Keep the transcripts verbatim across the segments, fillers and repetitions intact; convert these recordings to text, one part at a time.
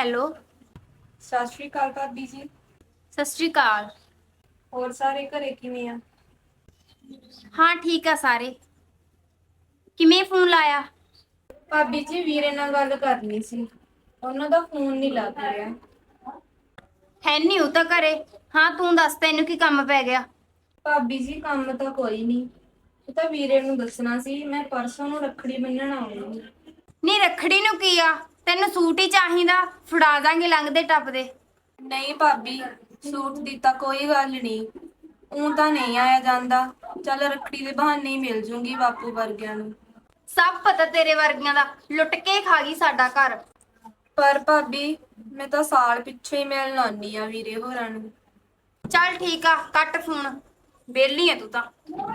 Hello. ਸਤਿ ਸ਼੍ਰੀ ਅਕਾਲ ਭਾਬੀ ਜੀ। ਸਤਿ ਸ਼੍ਰੀ ਅਕਾਲ। ਹੋਰ ਸਾਰੇ ਘਰੇ ਕਿਵੇਂ ਆ? ਹਾਂ ਠੀਕ ਆ ਸਾਰੇ। ਕਿਵੇਂ ਫੋਨ ਲਾਇਆ? ਭਾਬੀ ਜੀ ਵੀਰੇ ਨਾਲ ਗੱਲ ਕਰਨੀ ਸੀ। ਉਹਨਾਂ ਦਾ ਫੋਨ ਨੀ ਲੱਗ ਰਿਹਾ। ਹੈ ਨੀ ਉਹ ਤਾਂ ਘਰੇ। ਹਾਂ ਤੂੰ ਦੱਸ ਤੈਨੂੰ ਕੀ ਕੰਮ ਪੈ ਗਿਆ? ਭਾਬੀ ਜੀ ਕੰਮ ਤਾਂ ਕੋਈ ਨੀ। ਉਹ ਤਾਂ ਵੀਰੇ ਨੂੰ ਦੱਸਣਾ ਸੀ ਮੈਂ ਪਰਸੋਂ ਨੂੰ ਰੱਖੜੀ ਬੰਨਣ ਆਉਣੀ। ਨੀ ਰੱਖੜੀ ਨੂੰ ਕੀ ਆ? ਤੈਨੂੰ ਸੂਟ ਹੀ ਚਾਹੀਦਾ, ਫੜਾ ਦਾਂਗੇ ਲੰਘਦੇ ਟੱਪਦੇ। ਨਹੀਂ ਭਾਬੀ, ਸੂਟ ਦੀ ਤਾਂ ਕੋਈ ਗੱਲ ਨਹੀਂ। ਊਂ ਤਾਂ ਨਹੀਂ ਆਇਆ ਜਾਂਦਾ। ਚੱਲ ਰੱਖੜੀ ਦੇ ਬਹਾਨੇ ਹੀ ਮਿਲ ਜੂੰਗੀ ਬਾਪੂ ਵਰਗਿਆਂ ਨੂੰ। ਸਭ ਪਤਾ ਤੇਰੇ ਵਰਗੀਆਂ ਦਾ, ਲੁੱਟ ਕੇ ਖਾ ਗਈ ਸਾਡਾ ਘਰ। ਪਰ ਭਾਬੀ, ਮੈਂ ਤਾਂ ਸਾਲ ਪਿੱਛੇ ਹੀ ਮਿਲਣ ਆਉਣੀ ਆ ਵੀਰੇ ਹੋਰਾਂ ਨੂੰ। ਚੱਲ ਠੀਕ ਆ ਕੱਟ ਫੋਨ, ਵਿਹਲੀ ਆ ਤੂੰ ਤਾਂ।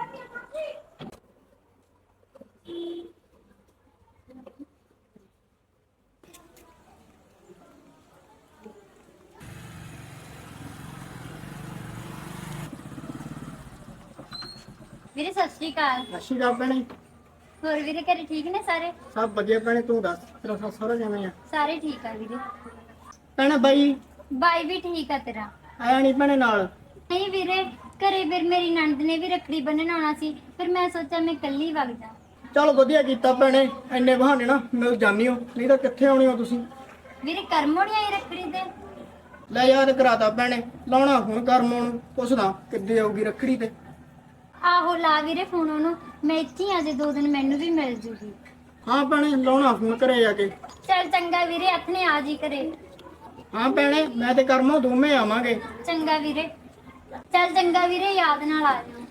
ਵੀਰੇ ਸਤਿ ਸ਼੍ਰੀ ਅਕਾਲ। ਸਤਿ ਸ਼੍ਰੀ ਅਕਾਲ ਭੈਣੇ। ਹੋਰ ਵੀਰੇ ਘਰੇ ਠੀਕ ਨੇ ਸਾਰੇ? ਸਭ ਵਧੀਆ ਭੈਣੇ, ਤੂੰ ਦੱਸ ਤੇਰਾ ਸੱਸ ਸਹੁਰਾ ਕਿਵੇਂ ਆ? ਸਾਰੇ ਠੀਕ ਆ ਵੀਰੇ। ਭੈਣੇ ਬਾਈ ਬਾਈ ਵੀ ਠੀਕ ਆ ਤੇਰਾ? ਆਇਆ ਨਹੀਂ ਭੈਣੇ ਨਾਲ? ਨਹੀਂ ਵੀਰੇ, ਘਰੇ ਫਿਰ ਮੇਰੀ ਨਣਦ ਨੇ ਵੀ ਰੱਖੜੀ ਬੰਨਣ ਆਉਣਾ ਸੀ, ਫਿਰ ਮੈਂ ਸੋਚਿਆ ਮੈਂ ਇਕੱਲੀ ਵਗ ਜਾ। ਚਲ ਵਧੀਆ ਕੀਤਾ ਭੈਣੇ, ਇੰਨੇ ਬਹਾਨੇ ਨਾ ਮਿਲ ਜਾਂਦੀ ਹੋ, ਨਹੀਂ ਤਾਂ ਕਿੱਥੇ ਆਉਣੀ ਹੋ ਤੁਸੀਂ। ਵੀਰੇ ਕਰਮੋਂ ਨੀ ਆਈ ਰੱਖੜੀ ਤੇ? ਲੈ ਯਾਦ ਕਰਾਤਾ ਭੈਣੇ, ਲਾਉਣਾ ਫੋਨ ਕਰਮੋਂ ਨੂੰ, ਪੁੱਛਦਾ ਕਿੱਦੇ ਆਊਗੀ ਰੱਖੜੀ ਤੇ। ਆਹੋ ਲਾ ਵੀਰੇ ਫੋਨ ਉਹਨੂੰ, ਮੈਂ ਇੱਥੇ ਹੀ ਆ ਜੇ ਦੋ ਦਿਨ ਮੈਨੂੰ ਵੀ ਮਿਲ ਜੂਗੀ। ਹਾਂ ਭੈਣੇ ਲਾਉਣਾ ਫੋਨ ਘਰੇ ਜਾ ਕੇ। ਚੱਲ ਚੰਗਾ ਵੀਰੇ, ਹੱਥਨੇ ਆ ਜੀ ਘਰੇ। ਹਾਂ ਭੈਣੇ ਮੈਂ ਤੇ ਕਰਮੋਂ ਦੋਵੇਂ ਆਵਾਂਗੇ। ਚੰਗਾ ਵੀਰੇ। ਚੱਲ ਚੰਗਾ ਵੀਰੇ, ਯਾਦ ਨਾਲ ਆ ਜਾਓ।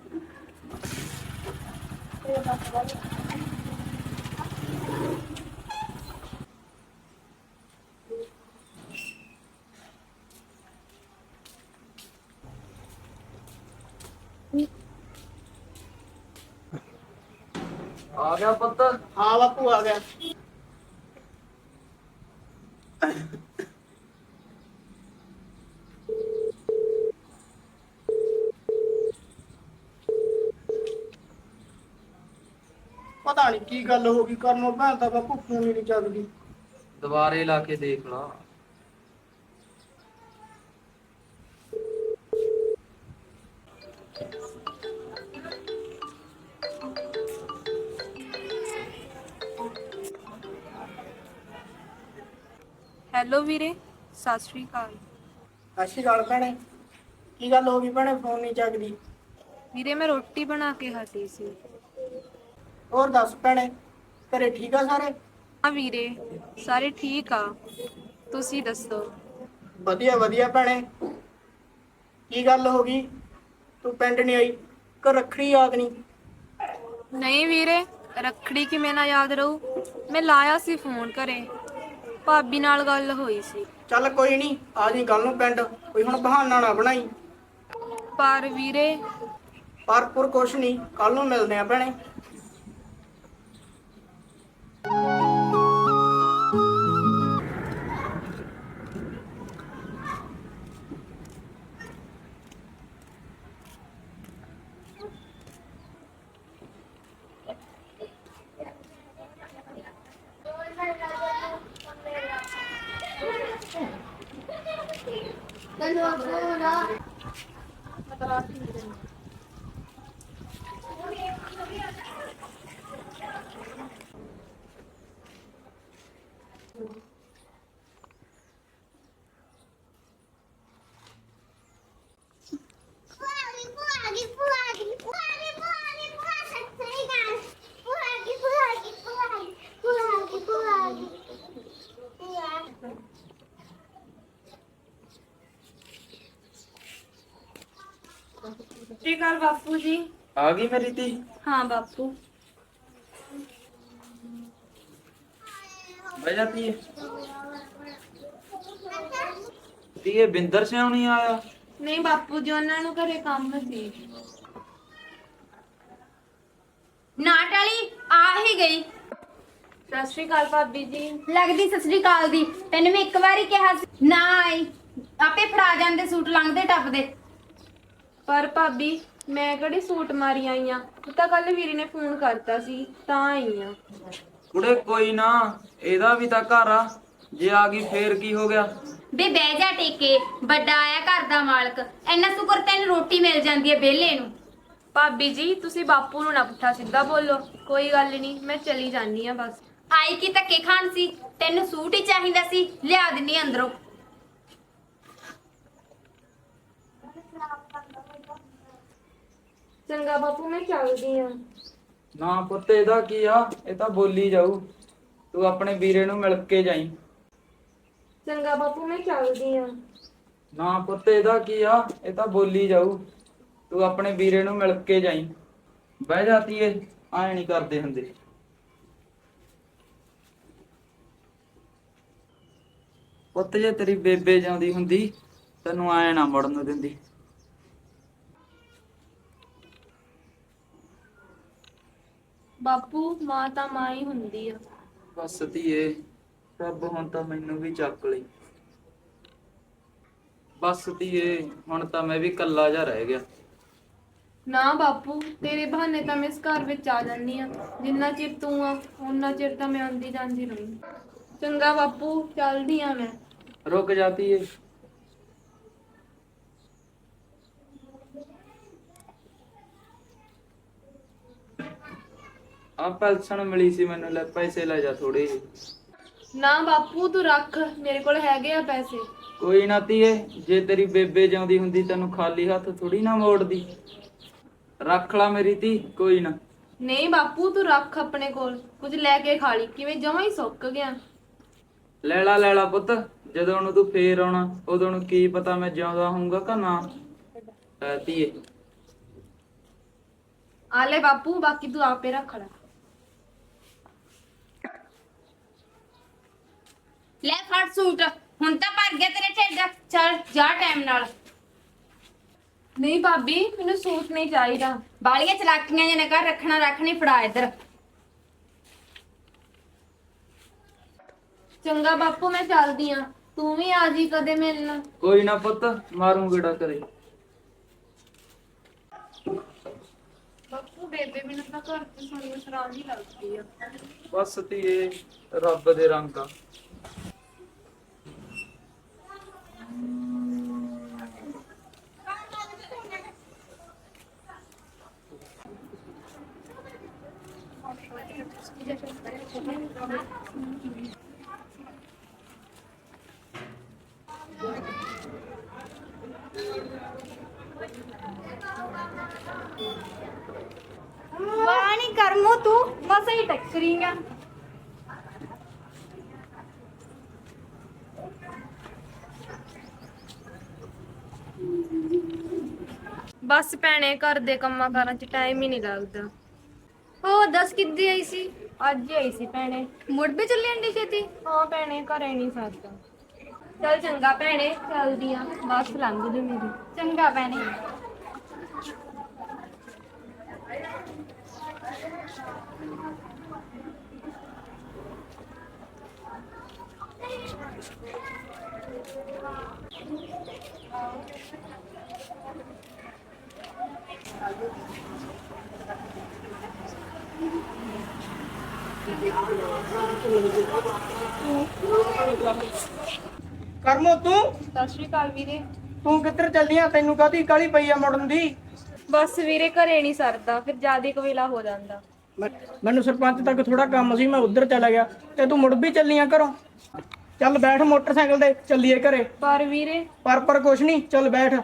ਆ ਗਿਆ ਪੁੱਤ। ਹਾਂ ਬਾਪੂ ਆ ਗਿਆ। ਪਤਾ ਨਹੀਂ ਕੀ ਗੱਲ ਹੋ ਗਈ, ਕਰਮੋਂ ਭੈਣ ਤਾਂ ਬਾਪੂ ਫੋਨ ਹੀ ਨਹੀਂ ਚੱਕਦੀ। ਦੁਬਾਰੇ ਲਾ ਕੇ ਦੇਖ ਲਾ। ਹੈਲੋ ਵੀਰੇ, ਸਤਿ ਸ਼੍ਰੀ ਅਕਾਲ। ਸਤਿ ਸ਼੍ਰੀ ਅਕਾਲ ਭੈਣੇ। ਕੀ ਗੱਲ ਹੋ ਗਈ ਭੈਣੇ, ਫੋਨ ਨਹੀਂ ਚੱਕਦੀ? ਵੀਰੇ ਮੈਂ ਰੋਟੀ ਬਣਾ ਕੇ ਹਟੀ ਸੀ। ਹੋਰ ਦੱਸ ਭੈਣੇ, ਘਰੇ ਠੀਕ ਆ ਸਾਰੇ? ਹਾਂ ਵੀਰੇ, ਸਾਰੇ ਠੀਕ ਆ। ਤੁਸੀਂ ਦੱਸੋ? ਵਧੀਆ ਵਧੀਆ ਭੈਣੇ। ਕੀ ਗੱਲ ਹੋ ਗਈ, ਤੂੰ ਪਿੰਡ ਨਹੀਂ ਆਈ? ਕਿ ਰੱਖੜੀ ਯਾਦ ਨਹੀਂ? ਨਹੀਂ ਵੀਰੇ, ਰੱਖੜੀ ਕਿਵੇਂ ਨਾ ਯਾਦ ਰਹੂ। ਮੈਂ ਲਾਇਆ ਸੀ ਫੋਨ ਘਰੇ, ਭਾਬੀ ਨਾਲ ਗੱਲ ਹੋਈ ਸੀ। ਚੱਲ ਕੋਈ ਨਹੀਂ, ਆ ਜੀ ਕੱਲ ਨੂੰ ਪਿੰਡ, ਕੋਈ ਹੁਣ ਬਹਾਨਾ ਨਾ ਬਣਾਈ। ਪਰ ਵੀਰੇ। ਪਰ ਪੁਰ ਕੁਛ ਨਹੀਂ, ਕੱਲ ਨੂੰ ਮਿਲਦੇ ਆ ਭੈਣੇ। ਸਤਿ ਸ਼੍ਰੀ ਅਕਾਲ ਬਾਪੂ ਜੀ। ਆ ਗਈ ਮੇਰੀ ਧੀ? ਹਾਂ ਬਾਪੂ। ਬਹਿ ਜਾ ਧੀਏ। ਧੀਏ ਬਿੰਦਰ ਸਿਉਂ ਨਹੀਂ ਆਇਆ? ਨਹੀਂ ਬਾਪੂ ਜੀ, ਉਹਨਾਂ ਨੂੰ ਘਰੇ ਕੰਮ ਸੀ। ਨਾਟ ਵਾਲੀ ਆ ਹੀ ਗਈ। ਸਤਿ ਸ਼੍ਰੀ ਅਕਾਲ ਭਾਬੀ ਜੀ। ਲੱਗਦੀ ਸਤਿ ਸ਼੍ਰੀ ਅਕਾਲ ਦੀ। ਤੈਨੂੰ ਮੈਂ ਇੱਕ ਵਾਰੀ ਕਿਹਾ ਸੀ ਨਾ ਆਈ, ਆਪੇ ਫੜਾ ਜਾਂਦੇ ਸੂਟ ਲੰਘਦੇ ਟੱਪਦੇ। ਪਰ ਭਾਬੀ, ਮੈਂ ਕਿਹੜੀ ਸੂਟ ਮਾਰੀ ਆਈ ਆ, ਤਾਂ ਕੱਲ ਵੀਰੇ ਨੇ ਫੋਨ ਕਰਤਾ ਸੀ ਤਾਂ ਆਈ ਆ। ਕੁੜੇ ਕੋਈ ਨਾ, ਇਹਦਾ ਵੀ ਤਾਂ ਘਰ ਆ। ਜੇ ਆ ਗਈ ਫੇਰ ਕੀ ਹੋ ਗਿਆ? ਬੇ ਬਹਿ ਜਾ ਟੇਕੇ, ਵੱਡਾ ਆਇਆ ਘਰ ਦਾ ਮਾਲਕ, ਇੰਨਾ ਸ਼ੁਕਰ ਤੈਨੂੰ ਰੋਟੀ ਮਿਲ ਜਾਂਦੀ ਹੈ ਵਿਹਲੇ ਨੂੰ। ਭਾਬੀ ਜੀ ਤੁਸੀਂ ਬਾਪੂ ਨੂੰ ਨਾ ਪੁੱਠਾ ਸਿੱਧਾ ਬੋਲੋ। ਕੋਈ ਗੱਲ ਨਹੀਂ, ਮੈਂ ਚਲੀ ਜਾਨੀ ਆ ਬਸ। ਆਈ ਕੀ ਧੱਕੇ ਖਾਣ ਸੀ? ਤੈਨੂੰ ਸੂਟ ਹੀ ਚਾਹੀਦਾ ਸੀ, ਲਿਆ ਦਿੰਨੀ ਅੰਦਰੋਂ। ਚੰਗਾ ਬਾਪੂ, ਮੈਂ ਚੱਲਦੀ ਆ। ਨਾ ਪੁੱਤ, ਇਹਦਾ ਕੀ ਆ? ਇਹ ਤਾਂ ਬੋਲੀ ਜਾਊ। ਤੂੰ ਆਪਣੇ ਵੀਰੇ ਨੂੰ ਮਿਲ ਕੇ ਜਾਈਂ। ਚੰਗਾ ਬਾਪੂ, ਮੈਂ ਚੱਲਦੀ ਆ। ਨਾ ਪੁੱਤ, ਇਹਦਾ ਕੀ ਆ? ਇਹ ਤਾਂ ਬੋਲੀ ਜਾਊ। ਤੂੰ ਆਪਣੇ ਵੀਰੇ ਨੂੰ ਮਿਲ ਕੇ ਜਾਈਂ। ਬਹਿ ਜਾਤੀ ਏ, ਐ ਨਹੀਂ ਕਰਦੇ ਹੁੰਦੇ। ਪੁੱਤ, ਜੇ ਤੇਰੀ ਬੇਬੇ ਜਾਂਦੀ ਹੁੰਦੀ ਤੈਨੂੰ ਐ ਨਾ ਮੁੜਨ ਦਿੰਦੀ। ਬਾਪੂ, ਮਾਂ ਤਾਂ ਮਾਂ ਹੀ ਹੁੰਦੀ ਆ। ਬਸ ਧੀਏ, ਰੱਬ ਹੁਣ ਤਾਂ ਮੈਨੂੰ ਵੀ ਚੱਕ ਲਈ। ਬਸ ਧੀਏ, ਹੁਣ ਤਾਂ ਮੈਂ ਵੀ ਕੱਲਾ ਜਾ ਰਹਿ ਗਿਆ। ਨਾ ਬਾਪੂ, ਤੇਰੇ ਬਹਾਨੇ ਤਾਂ ਮੈਂ ਇਸ ਘਰ ਵਿੱਚ ਆ ਜਾਂਦੀ ਆ। ਜਿੰਨਾ ਚਿਰ ਤੂੰ ਆ ਉਹਨਾਂ ਚਿਰ ਤਾਂ ਮੈਂ ਆਉਂਦੀ ਜਾਂਦੀ ਰਹੀ। ਚੰਗਾ ਬਾਪੂ, ਚੱਲਦੀ ਆ ਮੈਂ। ਰੁਕ ਜਾਤੀ ਏ। ਆ ਪੈਨਸ਼ਨ ਮਿਲੀ ਸੀ ਮੈਨੂੰ, ਲੈ ਪੈਸੇ ਲੈ ਜਾ ਥੋੜੇ ਜਿਹੇ। ਨਾ ਬਾਪੂ, ਤੂੰ ਰੱਖ, ਮੇਰੇ ਕੋਲ ਹੈਗੇ ਆ ਪੈਸੇ। ਕੋਈ ਨਾ ਧੀਏ, ਜੇ ਤੇਰੀ ਬੇਬੇ ਜਾਂਦੀ ਹੁੰਦੀ ਤੈਨੂੰ ਖਾਲੀ ਹੱਥ ਥੋੜੀ ਨਾ ਮੋੜਦੀ। ਰੱਖ ਲਾ ਮੇਰੀ ਧੀ, ਕੋਈ ਨਾ। ਨਹੀਂ ਬਾਪੂ, ਤੂੰ ਰੱਖ ਆਪਣੇ ਕੋਲ, ਕੁਝ ਲੈ ਕੇ ਖਾ ਲਈ, ਕਿਵੇਂ ਜਮਾਂ ਹੀ ਸੁੱਕ ਗਿਆ। ਲੈ ਲਾ ਲੈ ਲਾ ਪੁੱਤ, ਜਦੋਂ ਨੂੰ ਤੂੰ ਫੇਰ ਆਉਣਾ ਉਦੋਂ ਨੂੰ ਕੀ ਪਤਾ ਮੈਂ ਜਿਉਂਦਾ ਹੋਊਂਗਾ ਕਿ ਨਾ। ਐ ਧੀਏ, ਆ ਲੈ ਬਾਪੂ, ਬਾਕੀ ਤੂੰ ਆਪੇ ਰੱਖ ਲੈ। ਲੈ ਫੜ ਸੂਟ, ਹੁਣ ਤਾਂ ਭਰ ਗਿਆ ਤੇਰੇ ਢਿੱਡ। ਚੱਲ ਜਾ ਟਾਈਮ ਨਾਲ। ਨਹੀਂ ਭਾਬੀ, ਮੈਨੂੰ ਸੂਟ ਨਹੀਂ ਚਾਹੀਦਾ। ਬਾਲੀਆਂ ਚਲਾਕੀਆਂ ਜਿਹਨੇ ਕਰ ਰੱਖਣਾ ਰੱਖਣੀ, ਫੜਾ ਇੱਧਰ। ਚੰਗਾ ਬਾਪੂ, ਮੈਂ ਚੱਲਦੀ ਆ। ਤੂੰ ਵੀ ਆ ਜੀ ਕਦੇ ਮਿਲਣ। ਕੋਈ ਨਾ ਪੁੱਤ, ਮਾਰੂ ਗੇੜਾ ਕਰੇ। ਬਾਪੂ, ਬੇਬੇ ਮੈਨੂੰ ਤਾਂ ਘਰ ਤੇ ਸੁਣੀ ਸ਼ਰਾਬ ਹੀ ਲੱਗਦੀ ਆ। ਬਸ ਧੀਏ, ਰੱਬ ਦੇ ਰੰਗ ਆ। ਵਾਹ ਨੀ ਕਰਮੋ, ਤੂੰ ਬਸ ਹੀ ਟੱਕਰੀਂਗਾ। ਬਸ ਭੈਣੇ, ਘਰ ਦੇ ਕੰਮਾਂ ਕਾਰਾਂ 'ਚ ਟਾਈਮ ਹੀ ਨਹੀਂ ਲੱਗਦਾ। ਉਹ ਦੱਸ ਕਿੱਦੀ ਆਈ ਸੀ? ਅੱਜ ਹੀ ਆਈ ਸੀ ਭੈਣੇ। ਮੁੜ ਵੀ ਚੱਲੀ ਅੰਡੀ ਛੇਤੀ? ਹਾਂ ਭੈਣੇ, ਘਰੇ ਨਹੀਂ ਸਰਦਾ। ਚੱਲ ਚੰਗਾ ਭੈਣੇ, ਚੱਲਦੀ ਆ। ਬਸ ਲੰਘ ਜੂ ਮੇਰੀ। ਚੰਗਾ ਭੈਣੇ। ਕਰਮੋ, ਤੂੰ ਸਤਿ ਸ਼੍ਰੀ ਅਕਾਲ ਵੀਰੇ। ਤੂੰ ਕਿੱਧਰ ਚੱਲੀ ਆ? ਤੈਨੂੰ ਕਾਹਦੀ ਕਾਹਲੀ ਪਈ ਆ ਮੁੜਨ ਦੀ? ਬਸ ਵੀਰੇ, ਘਰੇ ਨਹੀਂ ਸਰਦਾ, ਫਿਰ ਜ਼ਿਆਦਾ ਕਵੇਲਾ ਹੋ ਜਾਂਦਾ। ਮੈਂ- ਮੈਨੂੰ ਸਰਪੰਚ ਤੱਕ ਥੋੜਾ ਕੰਮ ਸੀ, ਮੈਂ ਉੱਧਰ ਚਲਾ ਗਿਆ ਤੇ ਤੂੰ ਮੁੜ ਵੀ ਚੱਲੀ ਆ ਘਰੋਂ। ਚੱਲ ਬੈਠ ਮੋਟਰਸਾਈਕਲ ਤੇ, ਚੱਲੀਏ ਘਰੇ। ਪਰ ਵੀਰੇ, ਪਰ ਪਰ ਕੁਛ ਨਹੀਂ, ਚੱਲ ਬੈਠ।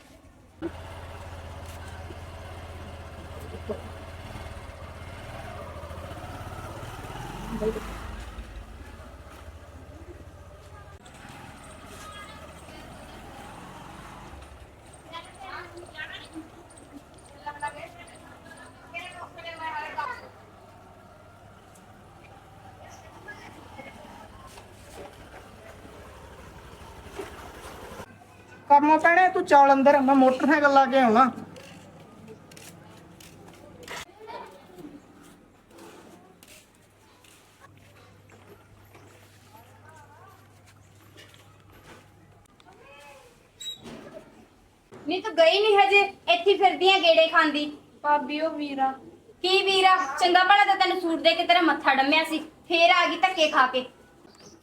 ਕਰਮੋ ਭੈਣੇ, ਤੂੰ ਚੱਲ ਅੰਦਰ, ਮੈਂ ਮੋਟਰਸਾਈਕਲ ਲਾ ਕੇ ਆਉਣਾ। ਨਹੀਂ ਤੂੰ ਗਈ ਨਹੀਂ ਹਜੇ, ਇੱਥੇ ਫਿਰਦੀਆਂ ਗੇੜੇ ਖਾਂਦੀ। ਭਾਬੀ ਉਹ ਵੀਰਾ। ਕੀ ਵੀਰਾ? ਚੰਗਾ ਭਲਾ ਤਾਂ ਤੈਨੂੰ ਸੂਟ ਦੇ ਕੇ ਤੇਰਾ ਮੱਥਾ ਡੰਮਿਆ ਸੀ, ਫੇਰ ਆ ਗਈ ਧੱਕੇ ਖਾ ਕੇ।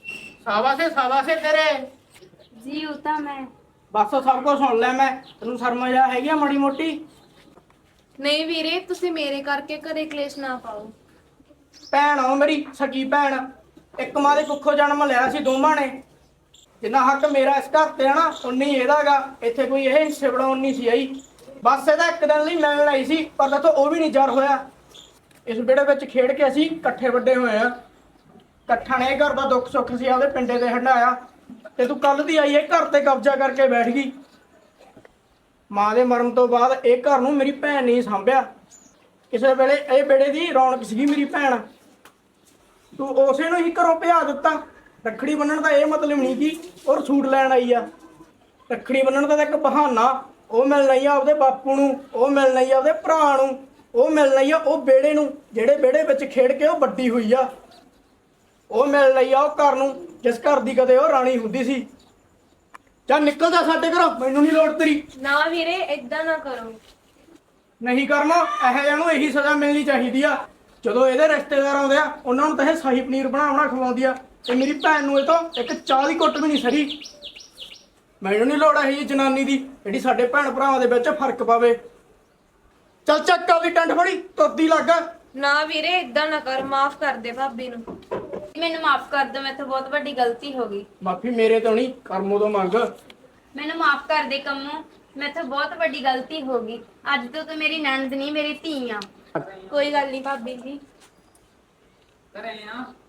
ਸਾਬਾਸੇ ਸਾਬਾਸੇ ਤੇਰੇ। ਜੀ ਉਹ ਤਾਂ ਮੈਂ ਬਸ ਸਭ ਕੁਝ ਸੁਣ ਲੈ ਮੈਂ। ਤੈਨੂੰ ਸ਼ਰਮ ਆ ਹੈਗੀ ਆ ਮਾੜੀ ਮੋਟੀ? ਨਹੀਂ ਵੀਰੇ, ਤੁਸੀਂ ਮੇਰੇ ਕਰਕੇ ਘਰੇ ਕਲੇਸ਼ ਨਾ ਪਾਓ। ਭੈਣ ਆ ਮੇਰੀ ਸਕੀ ਭੈਣ। ਇੱਕ ਮਾਂ ਦੇ ਕੁੱਖੋਂ ਜਨਮ ਲਿਆ ਸੀ ਦੋਵਾਂ ਨੇ। ਜਿੰਨਾ ਹੱਕ ਮੇਰਾ ਇਸ ਘਰ ਤੇ ਆ ਨਾ, ਉਨੀ ਇਹਦਾਗਾ। ਇੱਥੇ ਕੋਈ ਇਹ ਹਿੱਸੇ ਬਣਾਉਣ ਨਹੀਂ ਸੀ ਆਈ। ਬਸ ਇਹਦਾ ਇੱਕ ਦਿਨ ਲਈ ਮਿਲਣ ਆਈ ਸੀ, ਪਰ ਦੇਖੋ ਉਹ ਵੀ ਨਹੀਂ ਜਰ ਹੋਇਆ। ਇਸ ਵਿਹੜੇ ਵਿੱਚ ਖੇਡ ਕੇ ਅਸੀਂ ਇਕੱਠੇ ਵੱਡੇ ਹੋਏ ਆ। ਇਕੱਠਾ ਨੇ ਇਹ ਘਰ ਦਾ ਦੁੱਖ ਸੁੱਖ ਸੀ ਆਪਦੇ ਪਿੰਡੇ ਤੇ ਹੰਡਾਇਆ, ਤੇ ਤੂੰ ਕੱਲ ਦੀ ਆਈ ਇਹ ਘਰ ਤੇ ਕਬਜ਼ਾ ਕਰਕੇ ਬੈਠ ਗਈ। ਮਾਂ ਦੇ ਮਰਨ ਤੋਂ ਬਾਅਦ ਇਹ ਘਰ ਨੂੰ ਮੇਰੀ ਭੈਣ ਨਹੀਂ ਸੰਭਿਆ। ਕਿਸੇ ਵੇਲੇ ਇਹ ਵਿਹੜੇ ਦੀ ਰੌਣਕ ਸੀਗੀ ਮੇਰੀ ਭੈਣ, ਤੂੰ ਉਸੇ ਨੂੰ ਹੀ ਘਰੋਂ ਭਜਾ ਦਿੱਤਾ। ਰੱਖੜੀ ਬੰਨਣ ਦਾ ਇਹ ਮਤਲਬ ਨਹੀਂ ਕਿ ਉਹ ਸੂਟ ਲੈਣ ਆਈ ਆ। ਰੱਖੜੀ ਬੰਨਣ ਦਾ ਤਾਂ ਇੱਕ ਬਹਾਨਾ। ਉਹ ਮਿਲਣ ਆਈ ਆ ਆਪਦੇ ਬਾਪੂ ਨੂੰ, ਉਹ ਮਿਲਣ ਆਈ ਆ ਆਪਦੇ ਭਰਾ ਨੂੰ, ਉਹ ਮਿਲਣ ਆਈ ਆ ਉਹ ਵਿਹੜੇ ਨੂੰ ਜਿਹੜੇ ਵਿਹੜੇ ਵਿੱਚ ਖੇਡ ਕੇ ਉਹ ਵੱਡੀ ਹੋਈ ਆ। ਉਹ ਮਿਲਣ ਆਈ ਆ ਉਹ ਘਰ ਨੂੰ ਜਿਸ ਘਰ ਦੀ ਕਦੇ ਉਹ ਰਾਣੀ ਹੁੰਦੀ ਸੀ। ਚੱਲ ਨਿਕਲ ਜਾ ਸਾਡੇ ਘਰੋਂ, ਮੈਨੂੰ ਨਹੀਂ ਲੋੜ ਤੇਰੀ। ਨਾ ਵੀਰੇ, ਏਦਾਂ ਨਾ ਕਰੋ। ਨਹੀਂ ਕਰਨਾ, ਇਹੋ ਜਿਹਾ ਨੂੰ ਇਹੀ ਸਜ਼ਾ ਮਿਲਣੀ ਚਾਹੀਦੀ ਆ। ਜਦੋਂ ਇਹਦੇ ਰਿਸ਼ਤੇਦਾਰ ਆਉਂਦੇ ਆ, ਉਹਨਾਂ ਨੂੰ ਤਾਂ ਇਹ ਸ਼ਾਹੀ ਪਨੀਰ ਬਣਾ ਬਣਾ ਖਵਾਉਂਦੀ ਆ, ਤੇ ਮੇਰੀ ਭੈਣ ਨੂੰ ਇਹ ਤੋਂ ਇੱਕ ਚਾਹ ਦੀ ਘੁੱਟ ਵੀ ਨਹੀਂ ਸਰੀ। ਮੈਨੂੰ ਨਹੀਂ ਲੋੜ ਇਹੀ ਜਨਾਨੀ ਦੀ ਜਿਹੜੀ ਸਾਡੇ ਭੈਣ ਭਰਾਵਾਂ ਦੇ ਵਿੱਚ ਫਰਕ ਪਾਵੇ। ਚੱਲ ਚੱਕ ਆਪਦੀ ਟੰਡ ਫੜੀ, ਤੁਰਦੀ ਲੱਗ। ਨਾ ਵੀਰੇ, ਏਦਾਂ ਨਾ ਕਰ, ਮਾਫ ਕਰ ਦੇ ਭਾਬੀ ਨੂੰ। ਮੈਨੂੰ ਮਾਫ ਕਰ ਦਿਓ, ਮੈਥੋਂ ਬਹੁਤ ਵੱਡੀ ਗਲਤੀ ਹੋ ਗਈ। ਮਾਫੀ ਮੇਰੇ ਤੋਂ ਨਹੀਂ, ਕਰਮੋਂ ਤੋਂ ਮੰਗ। ਮੈਨੂੰ ਮਾਫ ਕਰ ਦੇ ਕੰਮੋਂ, ਮੈਥੋਂ ਬਹੁਤ ਵੱਡੀ ਗਲਤੀ ਹੋ ਗਈ। ਅੱਜ ਤੋਂ ਤੂੰ ਮੇਰੀ ਨਣਦ ਨਹੀਂ, ਮੇਰੀ ਧੀ ਆ। ਕੋਈ ਗੱਲ ਨਹੀਂ ਭਾਬੀ ਜੀ। ਘਰੇ ਆ